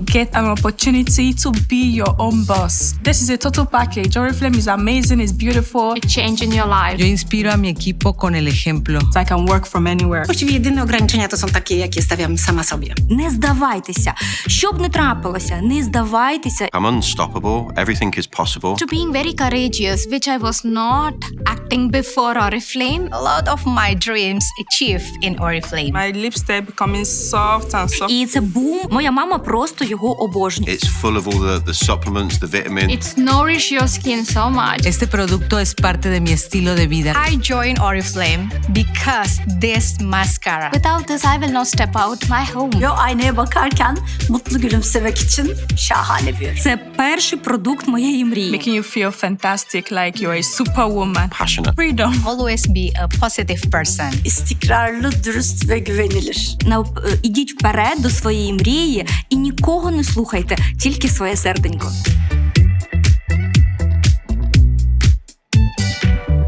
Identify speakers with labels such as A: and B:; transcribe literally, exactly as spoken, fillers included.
A: get an opportunity to be your own boss. This is a total package. Oriflame is amazing, it's beautiful.
B: It's changing your life.
C: Yo inspiro a mi equipo con el ejemplo.
A: I can work from anywhere.
D: Właściwie jedyne ograniczenia to są takie, jakie stawiam sama sobie.
E: Не здавайтеся. Що б не трапилося, не здавайтеся.
F: I'm unstoppable. Everything is possible.
B: To being very courageous, which I was not acting before Oriflame.
G: A lot of my dreams achieved in Oriflame.
A: My lips start becoming soft and soft.
E: І це бум. Моя мама просто його обожнює.
F: It's full of all the, the supplements, the vitamins.
B: It's nourish your skin so much.
C: Este producto es parte de mi estilo de vida.
G: I joined Oriflame because this mascara.
B: Without this, I will not step out my home.
H: Yo aynaya bakarken mutlu gülümsemek için şahane bir ürün.
E: Це перший продукт моєї мрії.
A: Making you feel fantastic, like you're a superwoman.
F: Passionate.
A: Freedom.
G: Always be a positive person.
H: İstikrarlı, dürüst ve güvenilir.
E: Нав- е, Ідіть вперед до своєї мрії і нікого не слухайте, тільки своє серденько.